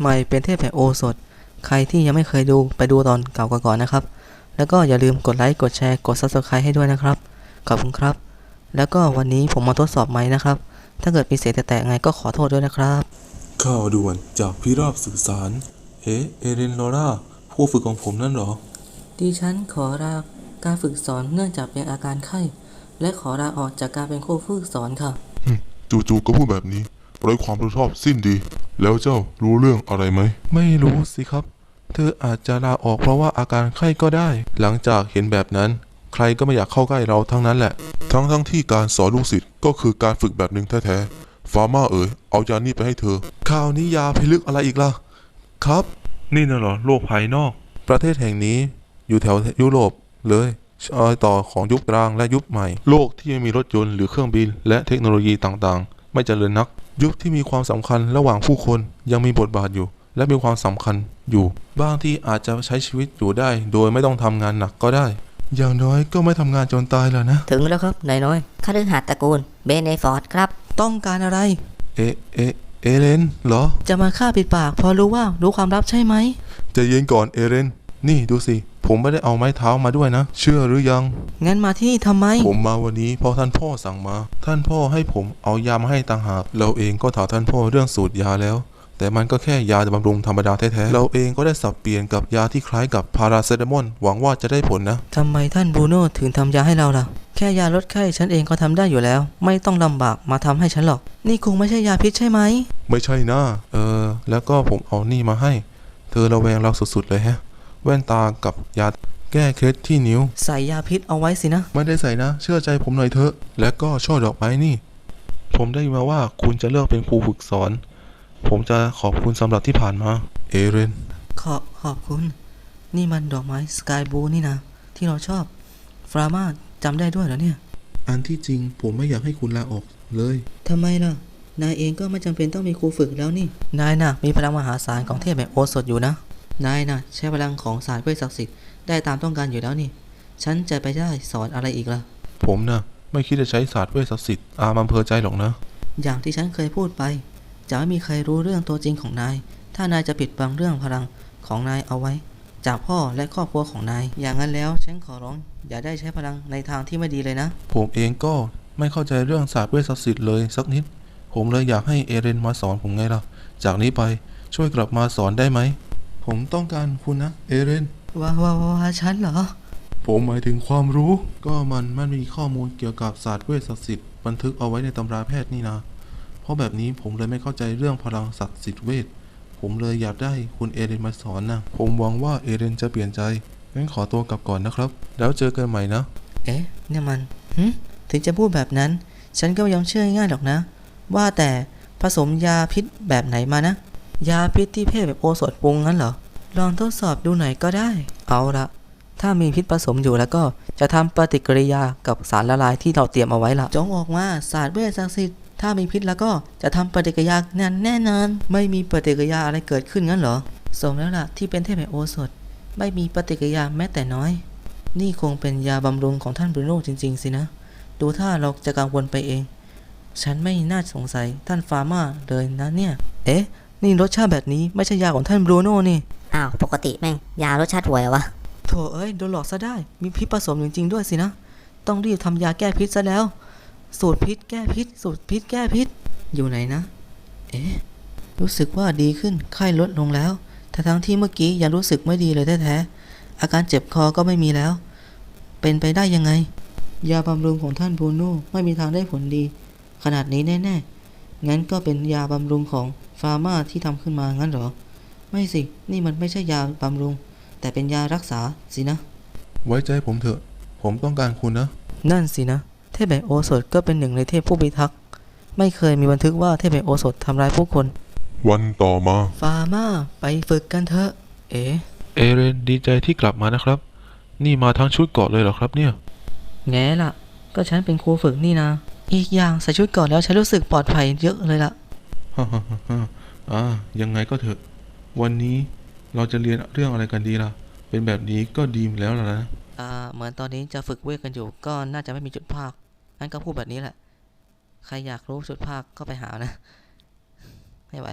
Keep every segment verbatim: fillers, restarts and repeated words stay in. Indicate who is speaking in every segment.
Speaker 1: ใหม่เป็นเทพแห่งโอสถใครที่ยังไม่เคยดูไปดูตอนเก่าก่อนนะครับแล้วก็อย่าลืมกดไลค์กดแชร์กด ซับสไครบ์ ให้ด้วยนะครับขอบคุณครับแล้วก็วันนี้ผมมาทดสอบไมค์นะครับถ้าเกิดมีเสียงแตกๆไงก็ขอโทษด้วยนะครับ
Speaker 2: ข่าวด่วนจากพิราบสื่อสารเอ๊ะเอเรนลอร่าผู้ฝึกของผมนั่นเหรอ
Speaker 1: ดิฉันขอลาการฝึกสอนเนื่องจากเป็นอาการไข้และขอลาออกจากการเป็นครูฝึกสอนค่ะ
Speaker 3: จู่ๆก็พูดแบบนี้ไร้ความรับผิดชอบสิ้นดีแล้วเจ้ารู้เรื่องอะไรไหม
Speaker 2: ไม่รู้สิครับเธออาจจะลาออกเพราะว่าอาการไข้ก็ได้หลังจากเห็นแบบนั้นใครก็ไม่อยากเข้าใกล้เราทั้งนั้นแหละ
Speaker 3: ทั้งทั้งที่การสอนลูกศิษย์ก็คือการฝึกแบบหนึ่งแท้ๆฟาร์มาเอ๋ยเอายานี่ไปให้เธอ
Speaker 2: ข่าวนี้ยาพิลึกอะไรอีกล่ะครับ
Speaker 4: นี่น่ะเหรอโลกภายนอก
Speaker 2: ประเทศแห่งนี้อยู่แถวยุโรปเลยรอยต่อของยุคกลางและยุคใหม่
Speaker 3: โลกที่ไม่มีรถยนต์หรือเครื่องบินและเทคโนโลยีต่างๆไม่เจริญนัก
Speaker 2: ยุคที่มีความสำคัญระหว่างผู้คนยังมีบทบาทอยู่และมีความสำคัญอยู่บางที่อาจจะใช้ชีวิตอยู่ได้โดยไม่ต้องทำงานหนักก็ได้อย่างน้อยก็ไม่ทำงานจนตายแล้วนะ
Speaker 1: ถึงแล้วครับนายน้อย
Speaker 5: คฤหาสน์ตระกูลเบเนฟอร์ดครับ
Speaker 1: ต้องการอะไร
Speaker 2: เอเอเอเลนเหรอ
Speaker 1: จะมาฆ่าปิดปากพอรู้ว่ารู้ความลับใช่ไหม
Speaker 2: ใจเย็นก่อนเอเลนนี่ดูสิผมไม่ได้เอาไม้เท้ามาด้วยนะเชื่อหรือยัง
Speaker 1: งั้นมาที่นี่ทำไม
Speaker 2: ผมมาวันนี้เพราะท่านพ่อสั่งมาท่านพ่อให้ผมเอายามาให้ต่างหากเราเองก็ถามท่านพ่อเรื่องสูตรยาแล้วแต่มันก็แค่ยาบำรุงธรรมดาแท้ๆเราเองก็ได้สับเปลี่ยนกับยาที่คล้ายกับพาราเซตามอลหวังว่าจะได้ผลนะ
Speaker 1: ทำไมท่านบรูโน่ถึงทำยาให้เราล่ะแค่ยาลดไข้ฉันเองก็ทำได้อยู่แล้วไม่ต้องลำบากมาทำให้ฉันหรอกนี่คงไม่ใช่ยาพิษใช่ไหม
Speaker 2: ไม่ใช่นะเออแล้วก็ผมเอานี่มาให้เธอระแวงเราสุดๆเลยฮะแว่นตากับยาแก้เคล็ดที่นิ้ว
Speaker 1: ใส่ยาพิษเอาไว้สินะ
Speaker 2: ไม่ได้ใส่นะเชื่อใจผมหน่อยเถอะและก็ช่อดอกไม้นี่ผมได้มาว่าคุณจะเลือกเป็นครูฝึกสอนผมจะขอบคุณสำหรับที่ผ่านมาเอเรน
Speaker 1: ขอขอบคุณนี่มันดอกไม้สกายบลูนี่นะที่เราชอบฟรามาจำได้ด้วยเหรอเนี่ย
Speaker 2: อันที่จริงผมไม่อยากให้คุณลาออกเลย
Speaker 1: ทำไมล่ะนายเองก็ไม่จำเป็นต้องมีครูฝึกแล้วนี่นายน่ะมีพลังมหาศาลของเทพแห่งโอสถอยู่นะนายน่ะใช้พลังของศาสตร์เวทศักดิ์สิทธิ์ได้ตามต้องการอยู่แล้วนี่ฉันจะไปได้สอนอะไรอีกล่ะ
Speaker 2: ผมน่ะไม่คิดจะใช้ศาสตร์เวทศักดิ์สิทธิ์อามันเพอใจหรอกนะ
Speaker 1: อย่างที่ฉันเคยพูดไปจะไม่มีใครรู้เรื่องตัวจริงของนายถ้านายจะปิดบังเรื่องพลังของนายเอาไว้จากพ่อและครอบครัวของนายอย่างนั้นแล้วฉันขอร้องอย่าได้ใช้พลังในทางที่ไม่ดีเลยนะ
Speaker 2: ผมเองก็ไม่เข้าใจเรื่องศาสตร์เวทศักดิ์สิทธิ์เลยสักนิดผมเลยอยากให้เอเรนมาสอนผมไงล่ะจากนี้ไปช่วยกลับมาสอนได้ไหมผมต้องการคุณนะเอเรน
Speaker 1: ว้าวว้าวฉันเหรอ
Speaker 2: ผมหมายถึงความรู้ก็มันมันมีข้อมูลเกี่ยวกับศาสตร์เวทศักดิ์สิทธิ์บันทึกเอาไว้ในตำราแพทย์นี่นะเพราะแบบนี้ผมเลยไม่เข้าใจเรื่องพลังศักดิ์สิทธิ์เวทผมเลยอยากได้คุณเอเรนมาสอนนะผมหวังว่าเอเรนจะเปลี่ยนใจงั้นขอตัวกลับก่อนนะครับแล้วเจอกันใหม่นะ
Speaker 1: เอ๊ะเนี่ยมันหึถึงจะพูดแบบนั้นฉันก็ไม่ยอมเชื่อง่ายๆหรอกนะว่าแต่ผสมยาพิษแบบไหนมานะยาพิษที่เพศแบบโอสถปรุงงั้นเหรอลองทดสอบดูหน่อยก็ได้เอาละถ้ามีพิษผสมอยู่แล้วก็จะทำปฏิกิริยากับสารละลายที่เราเตรียมเอาไว้ละจงออกมาศาสตร์เวทศักดิ์สิทธิ์ถ้ามีพิษแล้วก็จะทำปฏิกิริยานั้นแน่นอนไม่มีปฏิกิริยาอะไรเกิดขึ้นงั้นเหรอสมแล้วล่ะที่เป็นเทพแห่งโอสถไม่มีปฏิกิริยาแม้แต่น้อยนี่คงเป็นยาบำรุงของท่านบรูโน่จริงๆสินะดูถ้าเราจะกังวลไปเองฉันไม่น่าสงสัยท่านฟาร์มาเลยนะเนี่ยเอ๊ะนี่รสชาติแบบนี้ไม่ใช่ยาของท่านบรูโน่นี่
Speaker 5: อ้าวปกติแม่งยารสชาติห่วยวะ
Speaker 1: โถเอ้ยโดนหลอกซะได้มีพิษผสมจริงๆด้วยสินะต้องรีบทำยาแก้พิษซะแล้วสูตรพิษแก้พิษสูตรพิษแก้พิษอยู่ไหนนะเอ๊ะรู้สึกว่าดีขึ้นไข้ลดลงแล้วแต่ทั้งที่เมื่อกี้ยังรู้สึกไม่ดีเลยแท้ๆอาการเจ็บคอก็ไม่มีแล้วเป็นไปได้ยังไงยาบำรุงของท่านบรูโน่ไม่มีทางได้ผลดีขนาดนี้แน่ๆงั้นก็เป็นยาบำรุงของฟาร์มาที่ทำขึ้นมางั้นเหรอไม่สินี่มันไม่ใช่ยาบำรุงแต่เป็นยารักษาสินะ
Speaker 2: ไว้ใจผมเถอะผมต้องการคุณนะ
Speaker 1: นั่นสินะเทพแห่งโอสถก็เป็นหนึ่งในเทพผู้พิทักษ์ไม่เคยมีบันทึกว่าเทพแห่งโอสถทำร้ายผู้คน
Speaker 3: วันต่อมา
Speaker 1: ฟาร์มาไปฝึกกันเถอะเอ๋
Speaker 2: เอเรนดีใจที่กลับมานะครับนี่มาทั้งชุดเกราะเลยเหรอครับเนี่ย
Speaker 1: แง่ล่ะก็ฉันเป็นครูฝึกนี่นะอีกอย่างใส่ชุดเกราะแล้วฉันรู้สึกปลอดภัยเยอะเลยล่ะ
Speaker 2: ฮ่าฮ่าฮ่าอ่ายังไงก็เถอะวันนี้เราจะเรียนเรื่องอะไรกันดีล่ะเป็นแบบนี้ก็ดีแล้วล่ะนะ
Speaker 1: อ่าเหมือนตอนนี้จะฝึกเวทกันอยู่ก็น่าจะไม่มีจุดภาคงั้นก็พูดแบบนี้แหละใครอยากรู้จุดภาคก็ไปหานะไม่ไหว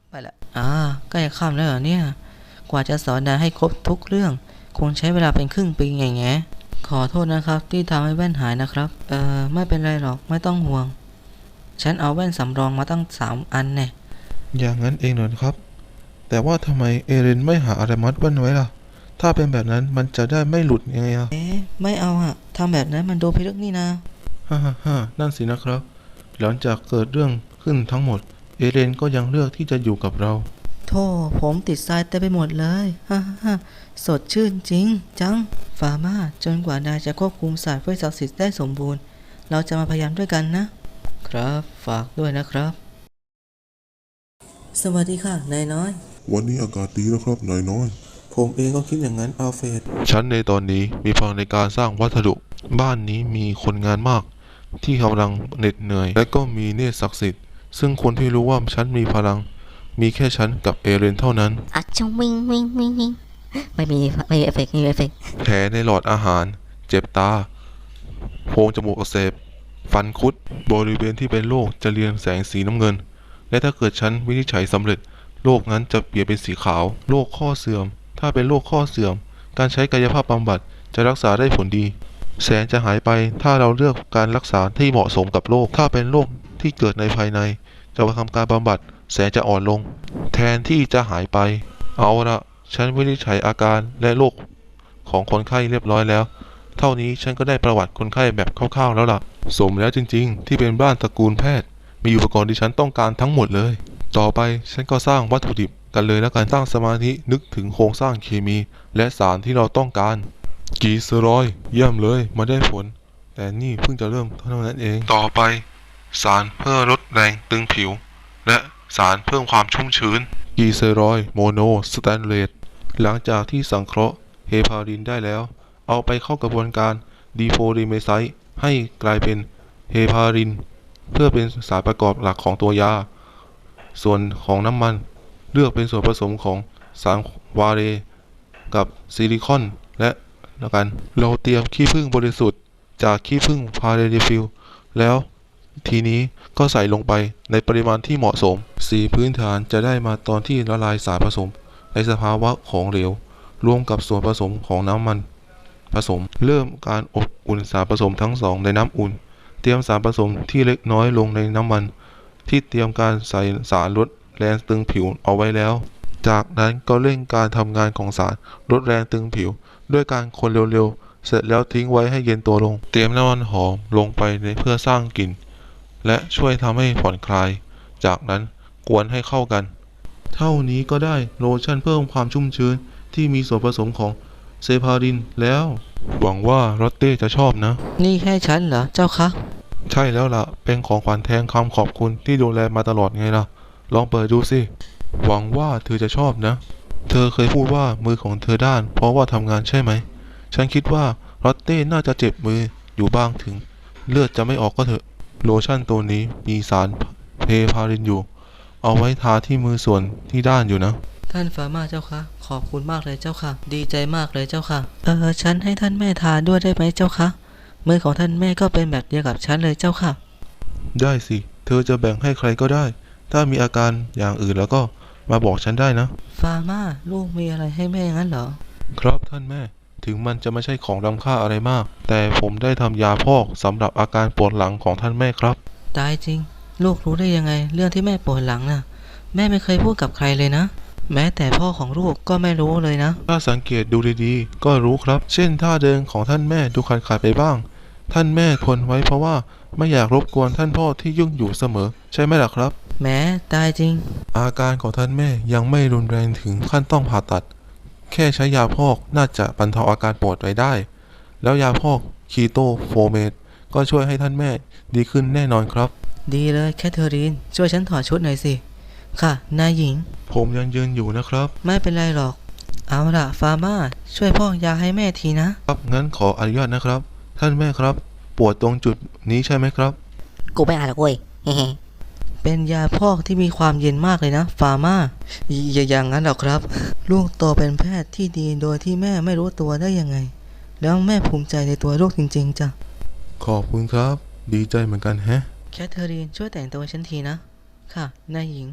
Speaker 1: ไปละอ่าใกล้ค่ำแล้วเหรอเนี่ย กว่าจะสอนนายให้ครบทุกเรื่อง คงใช้เวลาเป็นครึ่งปีไงแงขอโทษนะครับที่ทำให้แว่นหายนะครับ เออไม่เป็นไรหรอกไม่ต้องห่วง ฉันเอาแว่นสำรองมาตั้งสามอันแน่
Speaker 2: อย่างนั้นเองเหรอครับ แต่ว่าทำไมเอเรนไม่หาอะไรมัดแว่นไว้ล่ะ ถ้าเป็นแบบนั้นมันจะได้ไม่หลุดยังไงอ่ะ
Speaker 1: เอ๊ะไม่เอาอะทำแบบนั้นมันดูพิลึกนี่นะ
Speaker 2: ฮ่าฮ่าฮ่านั่นสินะครับ หลังจากเกิดเรื่องขึ้นทั้งหมด เอเรนก็ยังเลือกที่จะอยู่กับเรา
Speaker 1: โธ่ผมติดทรายเต็มไปหมดเลยฮ่าฮ่าสดชื่นจริง จัง ฟาร์มาจนกว่านายจะควบคุมศาสตร์เวทศักดิ์สิทธิ์ได้สมบูรณ์ เราจะมาพยายามด้วยกันนะ ครับฝากด้วยนะครับ สวัสดีค่ะ นายน้อย
Speaker 3: วันนี้อากาศดีนะครับนายน้อย
Speaker 2: ผมเองก็คิดอย่างนั้นอัลเฟรด
Speaker 3: ฉันในตอนนี้มีพลังในการสร้างวัสดุ บ้านนี้มีคนงานมาก ที่กำลังเหน็ดเหนื่อย และก็มีเนตรศักดิ์สิทธิ์ ซึ่งคนที่รู้ว่าฉันมีพลัง มีแค่ฉันกับเอเรนเท่านั้น
Speaker 5: อัดชงวิงวิงวิงวิงไม่มีไม่มีเอฟเฟกต์ไม่มีเอฟเฟกต์
Speaker 3: แผลในหลอดอาหาร เจ็บตา โพรงจมูกอักเสบ ฟันคุด บริเวณที่เป็นโรคจะเรียงแสงสีน้ำเงิน และถ้าเกิดฉันวินิจฉัยสำเร็จ โรคนั้นจะเปลี่ยนเป็นสีขาว โรคข้อเสื่อม ถ้าเป็นโรคข้อเสื่อม การใช้กายภาพบำบัดจะรักษาได้ผลดี แสงจะหายไปถ้าเราเลือกการรักษาที่เหมาะสมกับโรค ถ้าเป็นโรคที่เกิดในภายใน จะทำการบำบัด แสงจะอ่อนลง แทนที่จะหายไป เอาละฉันวินิจฉัยอาการและโรคของคนไข้เรียบร้อยแล้ว เท่านี้ฉันก็ได้ประวัติคนไข้แบบคร่าวๆแล้วล่ะ สมแล้วจริงๆ ที่เป็นบ้านตระกูลแพทย์ มีอุปกรณ์ที่ฉันต้องการทั้งหมดเลย ต่อไปฉันก็สร้างวัตถุดิบกันเลยแล้วกันตั้งสมาธินึกถึงโครงสร้างเคมี และสารที่เราต้องการ กีสเตอรอยด์เยี่ยมเลยมาได้ผล แต่นี่เพิ่งจะเริ่มเท่านั้นเอง ต่อไป สารเพื่อลดแรงตึงผิว และสารเพิ่มความชุ่มชื้น กีเซรอยด์โมโนสแตนเลส หลังจากที่สังเคราะห์เฮพารินได้แล้ว เอาไปเข้ากระบวนการดีโฟลิเมไซต์ให้กลายเป็นเฮพาริน เพื่อเป็นสารประกอบหลักของตัวยา ส่วนของน้ำมันเลือกเป็นส่วนผสมของสารวาเรกับซิลิคอนและแล้วกัน เราเตรียมขี้ผึ้งบริสุทธิ์จากขี้ผึ้งพาเรดิฟิลแล้ว ทีนี้ก็ใส่ลงไปในปริมาณที่เหมาะสม สีพื้นฐานจะได้มาตอนที่ละลายสารผสมในสภาวะของเหลว รวมกับส่วนผสมของน้ำมันผสม เริ่มการอบอุ่นสารผสมทั้งสองในน้ำอุ่น เตรียมสารผสมที่เล็กน้อยลงในน้ำมัน ที่เตรียมการใส่สารลดแรงตึงผิวเอาไว้แล้ว จากนั้นก็เร่งการทำงานของสารลดแรงตึงผิว ด้วยการคนเร็วๆ เสร็จแล้วทิ้งไว้ให้เย็นตัวลง เตรียมน้ำมันหอมลงไปในเพื่อสร้างกลิ่น และช่วยทำให้ผ่อนคลาย จากนั้นกวนให้เข้ากัน เท่านี้ก็ได้โลชั่นเพิ่มความชุ่มชื้นที่มีส่วนผสมของเซพารินแล้ว หวังว่าลอตเต้จะชอบนะ
Speaker 1: นี่แค่ฉันเหรอเจ้าคะ
Speaker 3: ใช่แล้วล่ะ เป็นของขวัญแทนคำขอบคุณที่ดูแลมาตลอดไงล่ะ ลองเปิดดูสิ หวังว่าเธอจะชอบนะ เธอเคยพูดว่ามือของเธอด้านเพราะว่าทำงานใช่ไหม ฉันคิดว่าลอตเต้น่าจะเจ็บมืออยู่บ้างถึง เลือดจะไม่ออกก็เถอะ โลชั่นตัวนี้มีสารเพพารินอยู่ เอาไว้ทาที่มือส่วนที่ด้านอยู่นะ
Speaker 1: ท่านฟาร์มาเจ้าคะขอบคุณมากเลยเจ้าค่ะ ดีใจมากเลยเจ้าค่ะ เออฉันให้ท่านแม่ทานด้วยได้ไหมเจ้าคะมือของท่านแม่ก็เป็นแบบเดียวกับฉันเลยเจ้าค่ะ
Speaker 3: ได้สิ เธอจะแบ่งให้ใครก็ได้ ถ้ามีอาการอย่างอื่นแล้วก็มาบอกฉันได้นะ
Speaker 1: ฟาร์มาลูกมีอะไรให้แม่งั้นเหรอ
Speaker 3: ครับท่านแม่ ถึงมันจะไม่ใช่ของล้ำค่าอะไรมาก แต่ผมได้ทำยาพอกสำหรับอาการปวดหลังของท่านแม่ครับ
Speaker 1: ตายจริง ลูกรู้ได้ยังไง เรื่องที่แม่ปวดหลังน่ะ แม่ไม่เคยพูดกับใครเลยนะ แม้แต่พ่อของลูกก็ไม่รู้เลยนะ
Speaker 3: ถ้าสังเกตดูดีๆ ก็รู้ครับ เช่นท่าเดินของท่านแม่ดูขาดๆไปบ้าง ท่านแม่ทนไว้เพราะว่าไม่อยากรบกวนท่านพ่อที่ยุ่งอยู่เสมอ ใช่ไหมล่ะครับ
Speaker 1: แม้ตายจริง
Speaker 3: อาการของท่านแม่ยังไม่รุนแรงถึงขั้นต้องผ่าตัด แค่ใช้ยาพอกน่าจะบรรเทาอาการปวดไว้ได้ แล้วยาพอกคีโตโฟเมตก็ช่วยให้ท่านแม่ดีขึ้นแน่นอนครับ
Speaker 1: ดีเลยแคทเธอรีนช่วยฉันถอดชุดหน่อยสิ ค่ะนายหญิง
Speaker 3: ผมยังยืนอยู่นะครับ
Speaker 1: ไม่เป็นไรหรอก เอาล่ะฟาร์มาช่วยพอกยาให้แม่ทีนะ
Speaker 3: ครับงั้นขออนุญาตนะครับ ท่านแม่ครับ ปวดตรงจุดนี้ใช่ไหมครับ
Speaker 5: กูไม่อ่านหรอกเว้ยเฮ้
Speaker 1: เป็นยาพอกที่มีความเย็นมากเลยนะฟาร์มาอย่าอย่างนั้นหรอกครับ ลูกโตเป็นแพทย์ที่ดีโดยที่แม่ไม่รู้ตัวได้ยังไง แล้วแม่ภูมิใจในตัวลูกจริงๆจ้ะ
Speaker 3: ขอบคุณครับ ดีใจเหมือนกันแฮะ
Speaker 1: แคทเธอรีนช่วยแต่งตัวฉันทีนะ ค่ะนายหญิง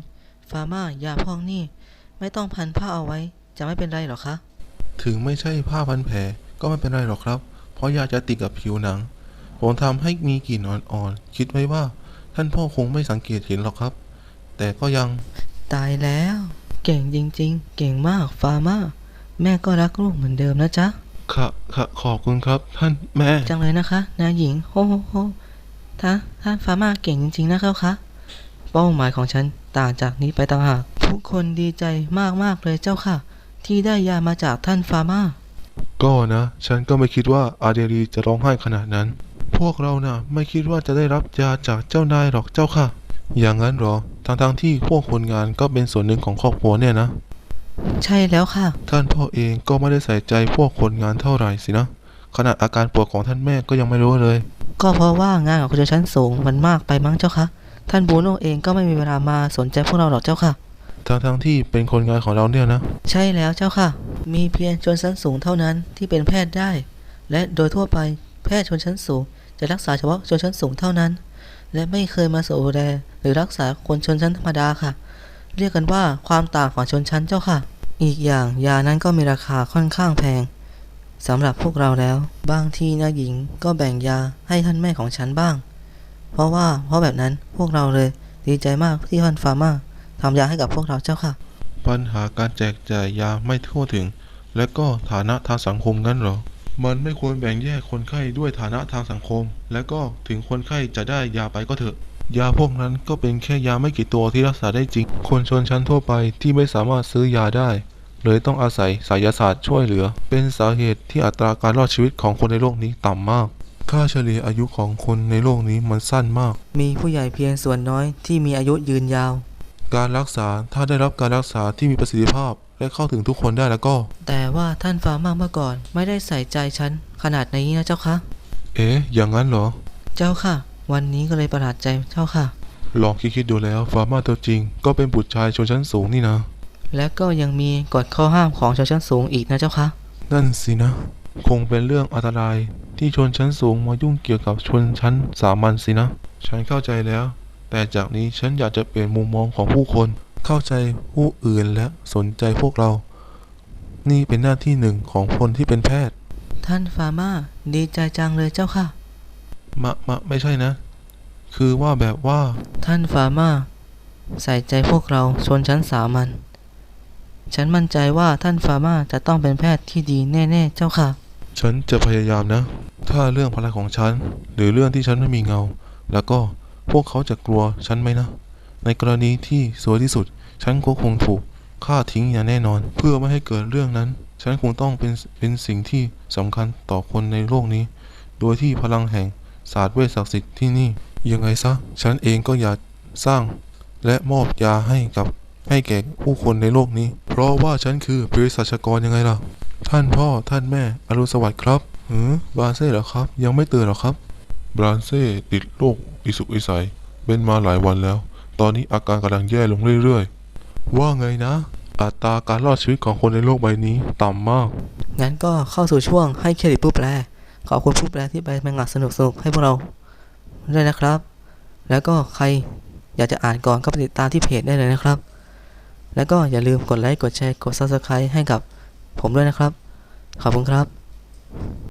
Speaker 1: ฟาร์มายาพอกนี่ไม่ต้องพันผ้าเอาไว้จะไม่เป็นไรหรอคะ
Speaker 2: ถึงไม่ใช่ผ้าพันแผลก็ไม่เป็นไรหรอกครับ เพราะยาจะติดกับผิวหนัง ผมทำให้มีกลิ่นอ่อนๆ คิดไว้ว่าท่านพ่อคงไม่สังเกตเห็นหรอกครับ แต่ก็ยัง
Speaker 1: ตายแล้ว เก่งจริงๆ เก่งมากฟาร์มาแม่ก็รักลูกเหมือนเดิมนะจ๊ะ
Speaker 3: ค่ะค่ะขอบคุณครับท่านแม่
Speaker 1: จังเลยนะคะนายหญิงโฮโฮโฮท่าท่านฟาร์มาเก่งจริงๆนะครับคะเป้าหมายของฉันต่างจากนี้ไปต่างหากทุกคนดีใจมากๆเลยเจ้าค่ะ ที่ได้ยามาจากท่านฟาร์มา
Speaker 3: ก็นะ ฉันก็ไม่คิดว่าอาเดรีจะร้องไห้ขนาดนั้น พวกเรานะ่ะไม่คิดว่าจะได้รับยาจากเจ้านายหรอกเจ้าค่ะ อย่างนั้นเหรอทั้งๆที่พวกคนงานก็เป็นส่วนหนึ่งของครอบครัวเนี่ยนะ
Speaker 1: ใช่แล้วค่ะ
Speaker 3: ท่านพ่อเองก็ไม่ได้ใส่ใจพวกคนงานเท่าไหร่สินะ ขนาดอาการป่วยของท่านแม่ก็ยังไม่รู้เลย
Speaker 1: ก็เพราะว่างานของคนชั้นสูงมันมากไปมั้งเจ้าค่ะท่านบูโน่เองก็ไม่มีเวลามาสนใจพวกเราหรอกเจ้าค่ะ
Speaker 3: ทั้งๆที่เป็นคนงานของเราเนี่ยนะ
Speaker 1: ใช่แล้วเจ้าค่ะ มีเพียงชนชั้นสูงเท่านั้นที่เป็นแพทย์ได้ และโดยทั่วไปแพทย์ชนชั้นสูงจะรักษาเฉพาะชนชั้นสูงเท่านั้น และไม่เคยมาดูแลหรือรักษาคนชนชั้นธรรมดาค่ะ เรียกกันว่าความต่างของชนชั้นเจ้าค่ะ อีกอย่างยานั้นก็มีราคาค่อนข้างแพงสำหรับพวกเราแล้ว บางทีนายหญิงก็แบ่งยาให้ท่านแม่ของฉันบ้าง เพราะว่าเพราะแบบนั้นพวกเราเลยดีใจมากที่ท่านฟาร์มาทำยาให้กับพวกเราเจ้าค่ะ
Speaker 3: ปัญหาการแจกจ่ายยาไม่ทั่วถึง และก็ฐานะทางสังคมงั้นเหรอ มันไม่ควรแบ่งแยกคนไข้ด้วยฐานะทางสังคม และก็ถึงคนไข้จะได้ยาไปก็เถอะ ยาพวกนั้นก็เป็นแค่ยาไม่กี่ตัวที่รักษาได้จริง คนชนชั้นทั่วไปที่ไม่สามารถซื้อยาได้ เลยต้องอาศัยไสยศาสตร์ช่วยเหลือ เป็นสาเหตุที่อัตราการรอดชีวิตของคนในโลกนี้ต่ำมาก ค่าเฉลี่ยอายุของคนในโลกนี้มันสั้นมาก
Speaker 1: มีผู้ใหญ่เพียงส่วนน้อยที่มีอายุยืนยาว
Speaker 3: การรักษาถ้าได้รับการรักษาที่มีประสิทธิภาพ และเข้าถึงทุกคนได้แล้วก็
Speaker 1: แต่ว่าท่านฟาร์มาเมื่อก่อนไม่ได้ใส่ใจฉันขนาดนี้นะเจ้าค่ะ
Speaker 3: เอ๊ะ อย่างนั้นเหรอ
Speaker 1: เจ้าค่ะ วันนี้ก็เลยประหลาดใจเจ้าค่ะ
Speaker 3: ลองคิดๆดูแล้วฟาร์มาตัวจริง ก็เป็นบุตรชายชนชั้นสูงนี่นะ
Speaker 1: และก็ยังมีกฎข้อห้ามของชนชั้นสูงอีกนะเจ้าค่ะ
Speaker 3: นั่นสินะ คงเป็นเรื่องอันตรายที่ชนชั้นสูงมายุ่งเกี่ยวกับชนชั้นสามัญสินะ ฉันเข้าใจแล้ว แต่จากนี้ฉันอยากจะเปลี่ยนมุมมองของผู้คน เข้าใจผู้อื่นและสนใจพวกเรา นี่เป็นหน้าที่หนึ่งของคนที่เป็นแพทย์
Speaker 1: ท่านฟาร์มาดีใจจังเลยเจ้าค่ะ
Speaker 3: มะมะไม่ใช่นะ คือว่าแบบว่า
Speaker 1: ท่านฟาร์มาใส่ใจพวกเราชนชั้นสามัญฉันมั่นใจว่าท่านฟาร์มาจะต้องเป็นแพทย์ที่ดีแน่ๆเจ้าค่ะ
Speaker 3: ฉันจะพยายามนะ ถ้าเรื่องพลังของฉัน หรือเรื่องที่ฉันไม่มีเงา แล้วก็พวกเขาจะกลัวฉันไหมนะ ในกรณีที่สวยที่สุด ฉันก็คงถูกฆ่าทิ้งอย่างแน่นอน เพื่อไม่ให้เกิดเรื่องนั้น ฉันคงต้องเป็นเป็นสิ่งที่สำคัญต่อคนในโลกนี้ โดยที่พลังแห่งศาสตร์เวชศักดิ์สิทธิ์ที่นี่ ยังไงซะ ฉันเองก็อยากสร้าง และมอบยาให้กับให้แก่ผู้คนในโลกนี้ เพราะว่าฉันคือเภสัชกรยังไงล่ะ ท่านพ่อท่านแม่อรุณสวัสดิ์ครับหือบราเซ่เหรอครับ ยังไม่ตื่นหรอครับ บราเซ่ติดโรคอิสุกอิสัยเป็นมาหลายวันแล้ว ตอนนี้อาการกำลังแย่ลงเรื่อยๆ ว่าไงนะ อัตราการรอดชีวิตของคนในโลกใบนี้ต่ำมาก
Speaker 1: งั้นก็เข้าสู่ช่วงให้เครดิตผู้แปล ขอบคุณผู้แปลที่ไปแมงงะสนุกๆให้พวกเราด้วยนะครับ แล้วก็ใครอยากจะอ่านก่อนก็ไปติดตามที่เพจได้เลยนะครับ แล้วก็อย่าลืมกดไลค์กดแชร์กด ซับสไครบ์ ให้กับผมด้วยนะครับ ขอบคุณครับ